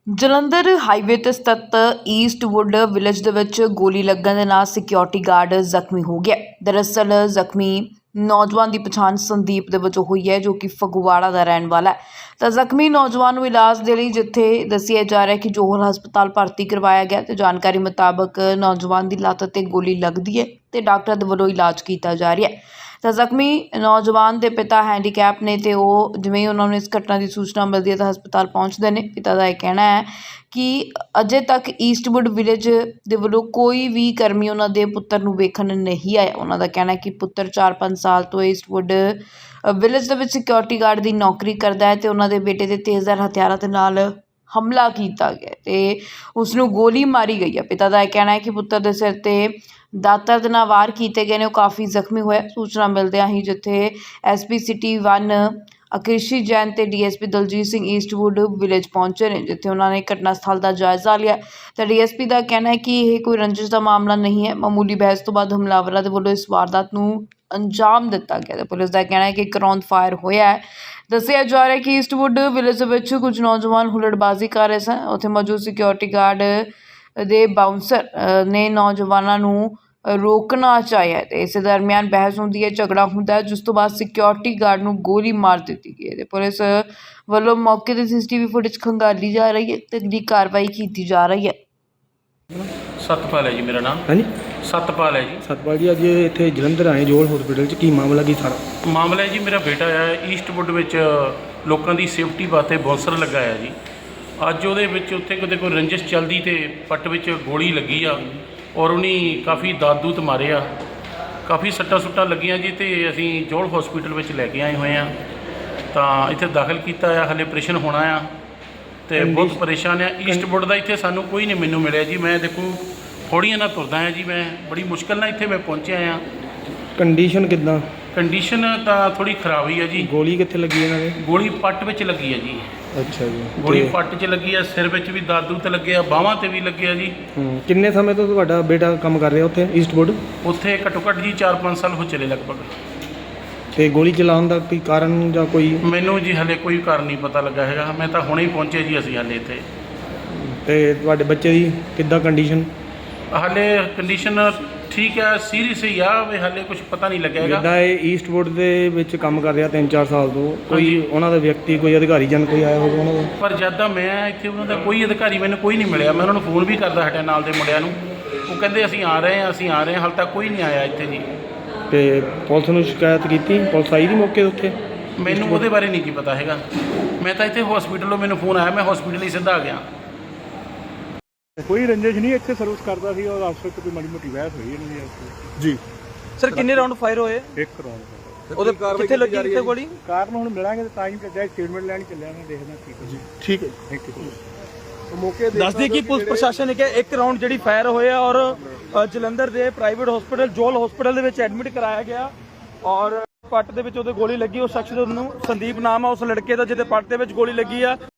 Jalandhar highway ਤੇ ਸਥਿਤ Eastwood village ਦੇ ਵਿੱਚ ਗੋਲੀ ਲੱਗਣ ਦੇ ਨਾਲ ਸਿਕਿਉਰਿਟੀ ਗਾਰਡ ਜ਼ਖਮੀ ਹੋ ਗਿਆ। ਦਰਅਸਲ ਜ਼ਖਮੀ ਨੌਜਵਾਨ ਦੀ ਪਛਾਣ ਸੰਦੀਪ ਦੇ ਵਜੋਂ ਹੋਈ ਹੈ, ਜੋ ਕਿ ਫਗਵਾੜਾ ਦਾ ਰਹਿਣ ਵਾਲਾ ਹੈ। ਤਾਂ ਜ਼ਖਮੀ ਨੌਜਵਾਨ ਨੂੰ ਇਲਾਜ ਦੇ ਲਈ ਜਿੱਥੇ ਦੱਸਿਆ ਜਾ ਰਿਹਾ ਕਿ ਜੋਹਲ ਹਸਪਤਾਲ ਭਰਤੀ ਕਰਵਾਇਆ ਗਿਆ ਤੇ ਜਾਣਕਾਰੀ ਮੁਤਾਬਕ ਨੌਜਵਾਨ ਦੀ ਲੱਤ ਤੇ ਗੋਲੀ ਲੱਗਦੀ ਹੈ ਤੇ ਡਾਕਟਰ ਦੇ ਵੱਲੋਂ ਇਲਾਜ ਕੀਤਾ ਜਾ ਰਿਹਾ ਹੈ। ਤਾਂ ਜ਼ਖਮੀ ਨੌਜਵਾਨ ਦੇ ਪਿਤਾ ਹੈਂਡੀਕੈਪ ਨੇ ਤੇ ਉਹ ਜਿਵੇਂ ਹੀ ਉਹਨਾਂ ਨੂੰ ਇਸ ਘਟਨਾ ਦੀ ਸੂਚਨਾ ਮਿਲਦੀ ਹੈ ਤਾਂ ਹਸਪਤਾਲ ਪਹੁੰਚਦੇ ਨੇ। ਪਿਤਾ ਦਾ ਇਹ ਕਹਿਣਾ ਹੈ ਕਿ ਅਜੇ ਤੱਕ ਈਸਟਵੁੱਡ ਵਿਲੇਜ ਦੇ ਵੱਲੋਂ ਕੋਈ ਵੀ ਕਰਮੀ ਉਹਨਾਂ ਦੇ ਪੁੱਤਰ ਨੂੰ ਵੇਖਣ ਨਹੀਂ ਆਇਆ। ਉਹਨਾਂ ਦਾ ਕਹਿਣਾ ਹੈ ਕਿ ਪੁੱਤਰ 4-5 ਸਾਲ ਤੋਂ ਈਸਟਵੁੱਡ ਵਿਲੇਜ ਦੇ ਵਿੱਚ ਸਿਕਿਉਰਿਟੀ ਗਾਰਡ ਦੀ ਨੌਕਰੀ ਕਰਦਾ ਹੈ ਤੇ ਉਹਨਾਂ ਦੇ ਬੇਟੇ ਦੇ ਤੇਜ਼ਧਾਰ ਹਥਿਆਰਾਂ ਦੇ ਨਾਲ ਹਮਲਾ ਕੀਤਾ ਗਿਆ ਤੇ ਉਸ ਨੂੰ ਗੋਲੀ ਮਾਰੀ ਗਈ ਹੈ। ਪਿਤਾ ਦਾ ਇਹ ਕਹਿਣਾ ਹੈ ਕਿ ਪੁੱਤਰ ਦੇ ਸਿਰ ਤੇ ਦਾਤਰ ਦੇ ਨਾਲ ਵਾਰ ਕੀਤੇ ਗਏ ਨੇ, ਉਹ ਕਾਫੀ ਜ਼ਖਮੀ ਹੋਇਆ। ਸੂਚਨਾ ਮਿਲਦਿਆਂ ਹੀ ਜਿੱਥੇ ਐਸਪੀ ਸਿਟੀ 1 ਅਕ੍ਰਿਸ਼ੀ ਜੈਨ ਤੇ DSP Daljit Singh Eastwood village ਪਹੁੰਚੇ ਨੇ, ਜਿੱਥੇ ਉਹਨਾਂ ਨੇ ਘਟਨਾ ਸਥਲ ਦਾ ਜਾਇਜ਼ਾ ਲਿਆ। ਤਾਂ ਡੀਐਸਪੀ ਦਾ ਕਹਿਣਾ ਹੈ ਕਿ ਇਹ ਕੋਈ ਰੰਜਿਸ਼ ਦਾ ਮਾਮਲਾ ਨਹੀਂ ਹੈ। ਮਾਮੂਲੀ ਬਹਿਸ ਤੋਂ ਬਾਅਦ ਹਮਲਾਵਰਾਂ ਦੇ ਵੱਲੋਂ ਇਸ ਵਾਰਦਾਤ ਨੂੰ ਅੰਜਾਮ ਦਿੱਤਾ ਗਿਆ। ਤੇ ਪੁਲਿਸ ਦਾ ਕਹਿਣਾ ਹੈ ਕਿ ਇੱਕ ਰੌਂਦ ਫਾਇਰ ਹੋਇਆ ਹੈ। ਦੱਸਿਆ ਜਾ ਰਿਹਾ ਹੈ ਕਿ ਈਸਟਵੁੱਡ ਵਿਲੇਜ ਦੇ ਵਿੱਚ ਕੁਝ ਨੌਜਵਾਨ ਹੁੱਲੜਬਾਜ਼ੀ ਕਰ ਰਹੇ ਸਨ। ਉੱਥੇ ਮੌਜੂਦ ਸਿਕਿਉਰਿਟੀ ਗਾਰਡ ਦੇ ਬਾਊਂਸਰ ਨੇ ਨੌਜਵਾਨਾਂ ਨੂੰ ਰੋਕਣਾ ਚਾਹਿਆ ਤੇ ਇਸੇ ਦਰਮਿਆਨ ਬਹਿਸ ਹੁੰਦੀ ਹੈ, ਝਗੜਾ ਹੁੰਦਾ ਹੈ, ਜਿਸ ਤੋਂ ਬਾਅਦ ਸਿਕਿਉਰਿਟੀ ਗਾਰਡ ਨੂੰ ਗੋਲੀ ਮਾਰ ਦਿੱਤੀ ਗਈ ਹੈ ਤੇ ਪੁਲਿਸ ਵੱਲੋਂ ਮੌਕੇ ਤੇ ਸੀਸੀਟੀਵੀ ਫੁਟੇਜ ਖੰਗਾਲੀ ਜਾ ਰਹੀ ਹੈ ਤੇ ਅਗਲੀ ਕਾਰਵਾਈ ਕੀਤੀ ਜਾ ਰਹੀ ਹੈ। ਸਤਪਾਲ ਹੈ ਜੀ ਮੇਰਾ ਨਾਮ। ਹਾਂਜੀ ਸਤਪਾਲ ਹੈ ਜੀ। ਸਤਪਾਲ ਜੀ, ਅੱਜ ਇੱਥੇ ਜਲੰਧਰ ਆਏ ਜੋਲ ਹਸਪੀਟਲ 'ਚ ਕੀ ਮਾਮਲਾ ਕੀ ਸਾਰਾ? ਮਾਮਲਾ ਹੈ ਜੀ, ਮੇਰਾ ਬੇਟਾ ਹੈ ਈਸਟਵੁੱਡ ਵਿੱਚ ਲੋਕਾਂ ਦੀ ਸੇਫਟੀ ਵਾਸਤੇ ਬੌਂਸਰ ਲਗਾਇਆ ਜੀ। ਅੱਜ ਉਹਦੇ ਵਿੱਚ ਉੱਥੇ ਕਿਤੇ ਕੋਈ ਰੰਜਿਸ਼ ਚੱਲਦੀ ਤੇ ਪੱਟ ਵਿੱਚ ਗੋਲੀ ਲੱਗੀ ਆ ਔਰ ਉਹਨੇ ਕਾਫੀ ਦਾਦੂਤ ਮਾਰੇ ਆ, ਕਾਫੀ ਸੱਟਾਂ ਸੁੱਟਾਂ ਲੱਗੀਆਂ ਜੀ। ਤੇ ਅਸੀਂ ਜੋਲ ਹਸਪੀਟਲ ਵਿੱਚ ਲੈ ਕੇ ਆਏ ਹੋਏ ਆ, ਤਾਂ ਇੱਥੇ ਦਾਖਲ ਕੀਤਾ ਆ। ਹਲੇ ਆਪਰੇਸ਼ਨ ਹੋਣਾ ਆ ਤੇ ਬਹੁਤ ਪਰੇਸ਼ਾਨ ਆ। ਈਸਟਵੁੱਡ ਦਾ ਇੱਥੇ ਸਾਨੂੰ ਕੋਈ ਨਹੀਂ ਮੈਨੂੰ ਮਿਲਿਆ ਜੀ। ਮੈਂ ਦੇਖੋ ਥੋੜ੍ਹੀਆਂ ਨਾਲ ਤੁਰਦਾ ਆ ਜੀ, ਮੈਂ ਬੜੀ ਮੁਸ਼ਕਿਲ ਨਾਲ ਇੱਥੇ ਮੈਂ ਪਹੁੰਚਿਆ ਆ। ਕੰਡੀਸ਼ਨ ਕਿੱਦਾਂ? ਕੰਡੀਸ਼ਨ ਤਾਂ ਥੋੜ੍ਹੀ ਖਰਾਬ ਹੀ ਆ ਜੀ। ਗੋਲੀ ਕਿੱਥੇ ਲੱਗੀ ਇਹਨਾਂ ਦੇ? ਗੋਲੀ ਪੱਟ ਵਿੱਚ ਲੱਗੀ ਆ ਜੀ। ਅੱਛਾ ਜੀ, ਗੋਲੀ ਪੱਟ 'ਚ ਲੱਗੀ ਆ, ਸਿਰ ਵਿੱਚ ਵੀ ਦਾਦੂ ਤੇ ਲੱਗੇ ਆ, ਬਾਹਾਂ ਤੇ ਵੀ ਲੱਗੇ ਆ ਜੀ। ਕਿੰਨੇ ਸਮੇਂ ਤੋਂ ਤੁਹਾਡਾ ਬੇਟਾ ਕੰਮ ਕਰ ਰਿਹਾ ਉੱਥੇ ਈਸਟਵੁੱਡ? ਉੱਥੇ ਘੱਟੋ ਘੱਟ ਜੀ 4-5 ਸਾਲ ਹੋ ਚਲੇ ਲਗਭਗ। ਤੇ ਗੋਲੀ ਚਲਾਉਣ ਦਾ ਕੋਈ ਕਾਰਨ ਜਾਂ ਕੋਈ? ਮੈਨੂੰ ਜੀ ਹਲੇ ਕੋਈ ਕਾਰਨ ਨਹੀਂ ਪਤਾ ਲੱਗਾ ਹੈਗਾ। ਮੈਂ ਤਾਂ ਹੁਣੇ ਹੀ ਪਹੁੰਚੇ ਜੀ ਅਸੀਂ ਹਲੇ ਇੱਥੇ। ਤੇ ਤੁਹਾਡੇ ਬੱਚੇ ਦੀ ਕਿੱਦਾਂ ਕੰਡੀਸ਼ਨ? ਹਲੇ ਕੰਡੀਸ਼ਨ ਠੀਕ ਆ, ਸੀਰੀਅਸ ਹੀ ਆ, ਵੀ ਹਲੇ ਕੁਝ ਪਤਾ ਨਹੀਂ ਲੱਗਿਆ ਹੈਗਾ। ਜਿੱਦਾਂ ਇਹ ਈਸਟਵੁੱਡ ਦੇ ਵਿੱਚ ਕੰਮ ਕਰ ਰਿਹਾ 3-4 ਸਾਲ ਤੋਂ, ਕੋਈ ਉਹਨਾਂ ਦਾ ਵਿਅਕਤੀ, ਕੋਈ ਅਧਿਕਾਰੀ ਜਨ ਕੋਈ ਆਇਆ ਹੋਵੇ ਉਹਨਾਂ ਦਾ? ਪਰ ਜਦ ਦਾ ਮੈਂ ਇੱਥੇ ਉਹਨਾਂ ਦਾ ਕੋਈ ਅਧਿਕਾਰੀ ਮੈਨੂੰ ਕੋਈ ਨਹੀਂ ਮਿਲਿਆ। ਮੈਂ ਉਹਨਾਂ ਨੂੰ ਫੋਨ ਵੀ ਕਰਦਾ ਹਟਿਆ ਨਾਲ ਦੇ ਮੁੰਡਿਆਂ ਨੂੰ, ਉਹ ਕਹਿੰਦੇ ਅਸੀਂ ਆ ਰਹੇ ਹਾਂ, ਅਸੀਂ ਆ ਰਹੇ ਹਾਂ। ਹਾਲੇ ਤੱਕ ਕੋਈ ਨਹੀਂ ਆਇਆ ਇੱਥੇ ਜੀ। ਤੇ ਪੁਲਿਸ ਨੂੰ ਸ਼ਿਕਾਇਤ ਕੀਤੀ? ਪੁਲਿਸ ਆਈ ਦੀ ਮੌਕੇ ਉੱਥੇ? ਮੈਨੂੰ ਉਹਦੇ ਬਾਰੇ ਨਹੀਂ ਜੀ ਪਤਾ ਹੈਗਾ। ਮੈਂ ਤਾਂ ਇੱਥੇ ਹਸਪੀਟਲੋਂ ਮੈਨੂੰ ਫੋਨ ਆਇਆ, ਮੈਂ ਹਸਪੀਟਲ ਹੀ ਸਿੱਧਾ ਆ ਗਿਆ। ਕੋਈ ਰੰਜਿਸ਼ ਨਹੀਂ, ਇੱਥੇ ਸਰਵਿਸ ਕਰਦਾ ਸੀ ਔਰ ਅਫਸਰ ਤੋਂ ਕੋਈ ਮਾੜੀ ਮੋਟੀ ਬਹਿਸ ਹੋਈ ਇਹਨਾਂ ਦੀ ਜੀ। ਸਰ ਕਿੰਨੇ ਰਾਉਂਡ ਫਾਇਰ ਹੋਏ? ਇੱਕ ਰਾਉਂਡ। ਉਹਦੇ ਕਿੱਥੇ ਲੱਗੀ ਕਿੱਥੇ ਗੋਲੀ? ਕਾਰਨ ਹੁਣ ਮਿਲਾਂਗੇ ਤਾਂ ਤਾਂ ਹੀ ਚੱਲਿਆ, ਸਟੇਟਮੈਂਟ ਲੈਣ ਚੱਲਿਆ, ਮੈਂ ਦੇਖਦਾ ਕੀ ਜੀ। ਠੀਕ ਹੈ, ਥੈਂਕ ਯੂ। ਮੌਕੇ ਦੱਸਦੀ ਕਿ ਪੁਲਿਸ ਪ੍ਰਸ਼ਾਸਨ ਨੇ ਕਿਹਾ ਇੱਕ ਰਾਉਂਡ ਜਿਹੜੀ ਫਾਇਰ ਹੋਇਆ ਔਰ ਜਲੰਧਰ ਦੇ ਪ੍ਰਾਈਵੇਟ ਹਸਪੀਟਲ ਜੋਲ ਹਸਪੀਟਲ ਦੇ ਵਿੱਚ ਐਡਮਿਟ ਕਰਾਇਆ ਗਿਆ ਔਰ ਪੱਟ ਦੇ ਵਿੱਚ ਉਹਦੇ ਗੋਲੀ ਲੱਗੀ। ਉਸ ਸ਼ਖਸ ਨੂੰ ਸੰਦੀਪ ਨਾਮ ਆ ਉਸ ਲੜਕੇ ਦਾ ਜਿਹਦੇ ਪੱਟ ਦੇ ਵਿੱਚ ਗੋਲੀ ਲੱਗੀ ਆ।